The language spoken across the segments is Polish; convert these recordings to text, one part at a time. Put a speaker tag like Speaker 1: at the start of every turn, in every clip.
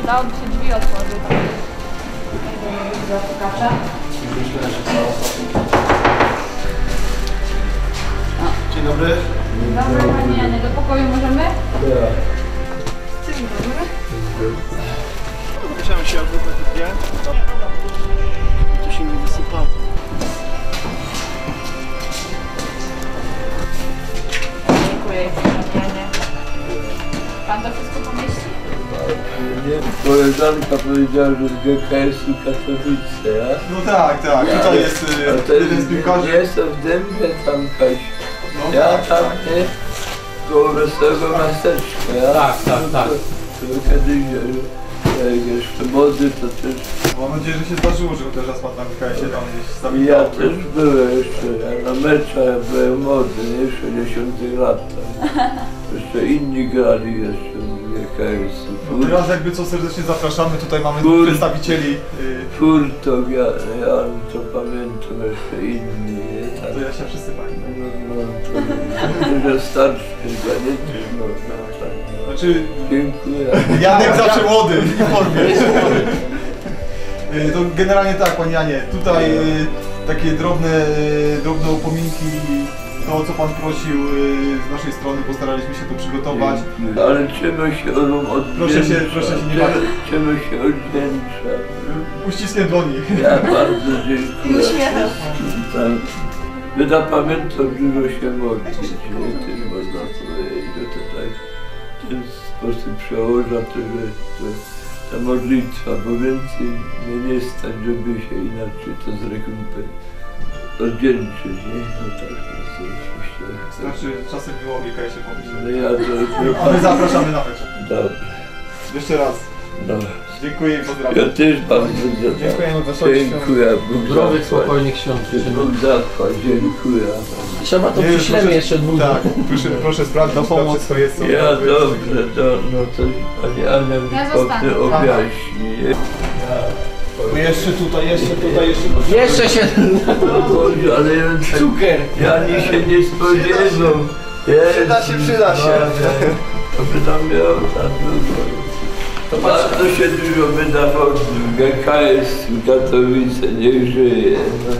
Speaker 1: dałoby się drzwi otworzyć. Zapukacza.
Speaker 2: Myślę, że co ostatnio. Dzień dobry.
Speaker 1: Dzień dobry, Pani Janie. Do pokoju możemy?
Speaker 2: Tak.
Speaker 1: Dzień dobry.
Speaker 2: Musiałem się albo takie dwie. Tu się nie wysypało.
Speaker 1: Dziękuję, Pani Janie. Pan to wszystko pomieści?
Speaker 3: Nie, koleżanka powiedziała, że z GKS-u Katowice, ja?
Speaker 2: No tak, tak. Tutaj jest jeden z piłkarzy.
Speaker 3: Jestem w Dębie tam Kaś.
Speaker 2: No,
Speaker 3: Ja
Speaker 2: tak,
Speaker 3: tam,
Speaker 2: tak.
Speaker 3: nie? Koło Wesołego Miasteczka, ja?
Speaker 4: Tak.
Speaker 3: To kiedyś, jeszcze młody, to też...
Speaker 2: Mam nadzieję, że się zdarzyło, że chociaż raz pan na KS-ie tam gdzieś
Speaker 3: Ja
Speaker 2: zawitał.
Speaker 3: też byłem jeszcze, ja na meczach byłem młody, nie? 60 lat tam. Jeszcze inni grali jeszcze w GKS-u.
Speaker 2: No teraz jakby co serdecznie zapraszamy, tutaj mamy przedstawicieli.
Speaker 3: Furtok, ja to pamiętam jeszcze inni, nie? Tak.
Speaker 2: To ja się wszyscy pamiętam.
Speaker 3: No, że starszy chyba, nie? No, tak.
Speaker 2: Znaczy,
Speaker 3: Dziękuję.
Speaker 2: Janek zawsze młody i w formie. To generalnie tak, Panie Janie, tutaj takie drobne upominki, to co Pan prosił z naszej strony, postaraliśmy się to przygotować.
Speaker 3: Ale czemu się odwdzięcza?
Speaker 2: Proszę się nie bawić.
Speaker 3: Czemu się odwdzięcza?
Speaker 2: Uściskiem dłoni.
Speaker 3: Ja bardzo dziękuję. Tak. Wyda pamiętam, dużo się modlić, nie? Też można powiedzieć, że to tak w ten sposób przełoża to, że ta modlitwa, bo więcej mnie nie stać, żeby się inaczej to z reguły oddzięczyć, nie? No tak, to myślę.
Speaker 2: Znaczy, czasem było GKS się pomyśleć.
Speaker 3: No ja to...
Speaker 2: A my zapraszamy na mecz.
Speaker 3: Dobrze.
Speaker 2: Jeszcze raz.
Speaker 3: Dobra.
Speaker 2: Dziękuję i
Speaker 3: Ja
Speaker 2: pozdrawiam.
Speaker 3: też bardzo
Speaker 2: Dziękujemy, wesołych świąt.
Speaker 3: dziękuję. Bóg
Speaker 4: Zdrowych,
Speaker 3: zapłać.
Speaker 4: spokojnych świąt.
Speaker 3: Bóg zapłać, dziękuję.
Speaker 4: Trzeba to przyślemy jeszcze dwóch.
Speaker 2: Tak, proszę sprawdzić,
Speaker 4: Do pomocy.
Speaker 2: co jest.
Speaker 3: Ja dobrze, no to Pani Ania mi
Speaker 1: Ja
Speaker 3: potem
Speaker 1: zostanę.
Speaker 3: objaśni.
Speaker 4: Jeszcze się...
Speaker 3: Boże, ale ja
Speaker 4: Cukier!
Speaker 3: ja ani się nie spodziewam.
Speaker 2: Przyda się.
Speaker 3: To by nam miało tak długo. Bardzo się dużo wydawało w GKS w Katowice, niech żyje. No.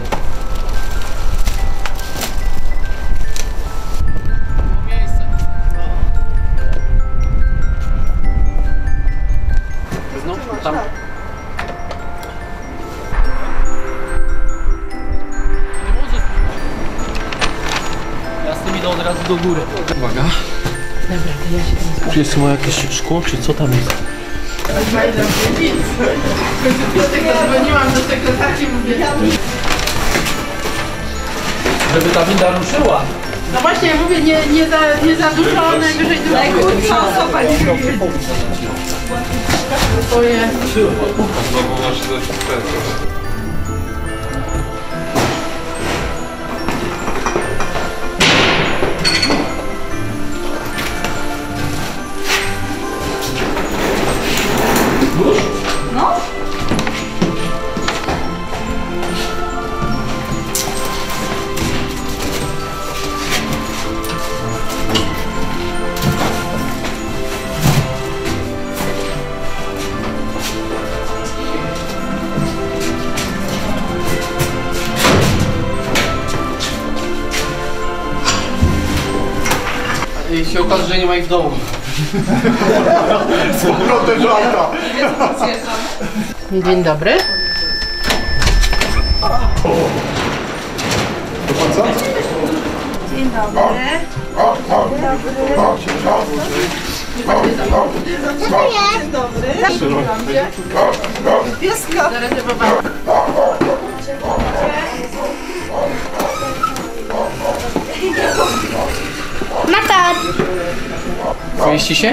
Speaker 4: Tam. Ja z tym idę od razu do góry. Uwaga.
Speaker 1: Dobra, to ja się tam
Speaker 4: Czy jest ma jakieś szkło, czy co tam jest?
Speaker 1: dzwoniłam do sekretarki, mówię.
Speaker 4: Żeby ta winda ruszyła.
Speaker 1: No właśnie, mówię, nie za dużo, najwyżej dużo. Najkrótsza osoba nie lubi. Oje. No?
Speaker 4: I się okaże, że nie ma ich w domu.
Speaker 2: Z powrotem do auta.
Speaker 1: Dzień dobry. Dzień dobry. Dzień dobry. Pieska. Zarezerwowałam.
Speaker 5: Matar!
Speaker 4: Mieści się?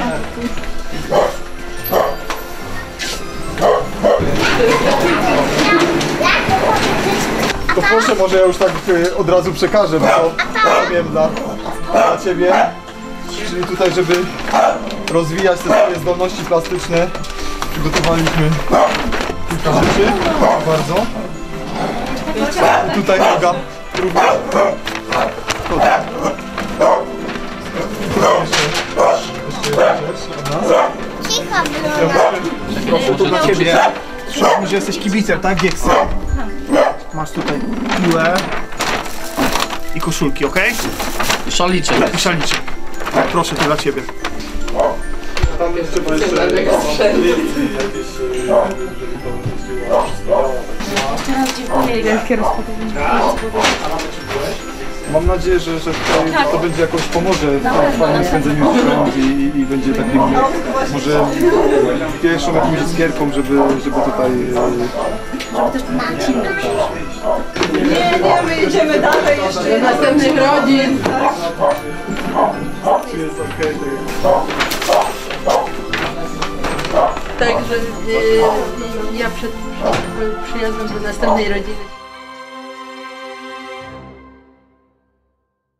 Speaker 2: To proszę, może ja już tak od razu przekażę, bo to powiem dla Ciebie. Czyli tutaj, żeby rozwijać te swoje zdolności plastyczne, przygotowaliśmy kilka rzeczy. Bardzo. I tutaj noga również. Jeszcze jedna rzecz od nas.
Speaker 5: Cicho, Bruno.
Speaker 2: Proszę, to dla ciebie. Przypomnij, że jesteś kibicem, tak? Gieksy. Masz tutaj piłę i koszulki, ok?
Speaker 4: I szaliczek.
Speaker 2: I szaliczek. Tak, proszę, to dla ciebie. Tam jeszcze
Speaker 1: Teraz dziękuję. Wielkie rozpoczęcie.
Speaker 2: Mam nadzieję, że tutaj to będzie jakoś pomoże w fajnym spędzeniu świąt i będzie takim może pierwszą jakąś iskierką, żeby tutaj...
Speaker 1: Nie, my jedziemy dalej jeszcze. Do następnych rodzin.
Speaker 2: Jest okej,
Speaker 1: Także ja przed przyjazdem do następnej rodziny